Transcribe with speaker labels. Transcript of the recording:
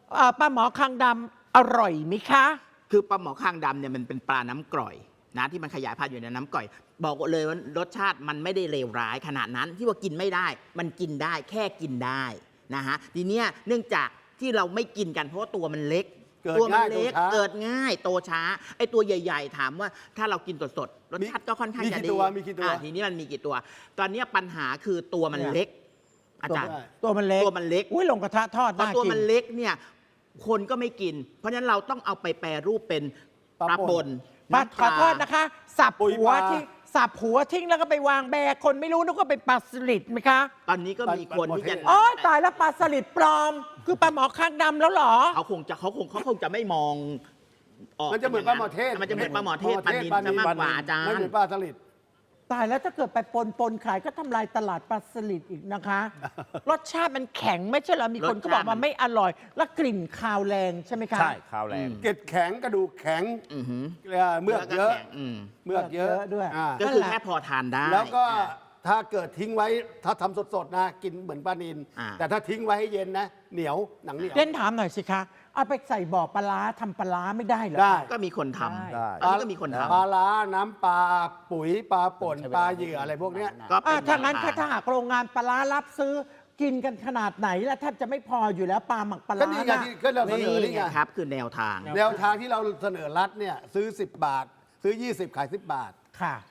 Speaker 1: ปลาหมอคางดำอร่อยไหมคะ
Speaker 2: คือปลาหมอคางดำเนี่ยมันเป็นปลาน้ำกร่อยนะที่มันขยายพันธุ์อยู่ในน้ำกร่อยบอกเลยว่ารสชาติมันไม่ได้เลวร้ายขนาดนั้นที่ว่ากินไม่ได้มันกินได้แค่กินได้นะฮะทีเนี้ยเนื่องจากที่เราไม่กินกันเพราะว่าตัวมันเล็กตัวมันเล็กเกิดง่ายโตช้าไอตัวใหญ่ๆถามว่าถ้าเรากินสดๆรสชาติก็ค่อนข้างจะดี
Speaker 3: มีกี่ตัว
Speaker 2: ทีนี้มันมีกี่ตัว ตอนนี้ปัญหาคือตัวมันเล็กอาจารย์
Speaker 1: ตัวมันเล็กอุ้ยลงกระทะทอด
Speaker 2: พอตัวมันเล็กเนี่ยคนก็ไม่กินเพราะฉะนั้นเราต้องเอาไปแปรรูปเป็นปลาป่น
Speaker 1: ขอโทษนะคะสับหัวทิ้งแล้วก็ไปวางแบกคนไม่รู้นึกว่าเป็นปลาสลิดไหมคะ
Speaker 2: ตอนนี้ก็มีคนที่จะ
Speaker 1: อ๋อตายแล้วปลาสลิดปลอมคือปลาหมอคางดำแล้วเหรอ
Speaker 2: เขาคงจะไม่มองออก
Speaker 3: มันจะเหมือนปลาหมอเทศ
Speaker 2: มันจะเหมือนปลาหมอเทศปลานิลจะมากกว่าอาจารย์
Speaker 3: ไม่เหมือนปลาสลิด
Speaker 1: ตายแล้วถ้าเกิดไปปนขายก็ทำลายตลาดปลาสลิดอีกนะคะรสชาติมันแข็งไม่ใช่เหรอมีคนก็บอกว่าไม่อร่อยแล้วกลิ่นคาวแรงใช่ไหมคะ
Speaker 4: ใช่คาวแรง
Speaker 3: เกล็ดแข็งกระดูกแข็งเมือกเยอะ
Speaker 1: ด้วย
Speaker 2: ก็คือแค่พอทานได้
Speaker 3: แล้วก็ถ้าเกิดทิ้งไว้ถ้าทำสดๆนะกินเหมือนปลานิลแต่ถ้าทิ้งไว้ให้เย็นนะเหนียวหนังเหนียว
Speaker 1: เล่นถามหน่อยสิคะเอาไปใส่บ่อปลาทำปลาไม่ได้เหรอ
Speaker 3: ได้
Speaker 2: ก็มีคนทำ
Speaker 4: ได้
Speaker 2: อันนี้ก็มีคนทำ
Speaker 3: ปลาล้าน้ำปลาปุ๋ยปลาป่นปลาเหยื่ออะไรพวกนี้
Speaker 2: ก็
Speaker 1: ถ้างั้นถ้าหากโรงงานปลารับซื้อกินกันขนาดไหนแล้วแทบจะไม่พออยู่แล้วปลาหมักปลา
Speaker 3: ก็นี่ไงก็เราเสนอนี่ไง
Speaker 2: ครับคือแนวทาง
Speaker 3: ที่เราเสนอรัฐเนี่ยซื้อ10 บาทซื้อ20ขาย10 บาท
Speaker 1: ค่ะ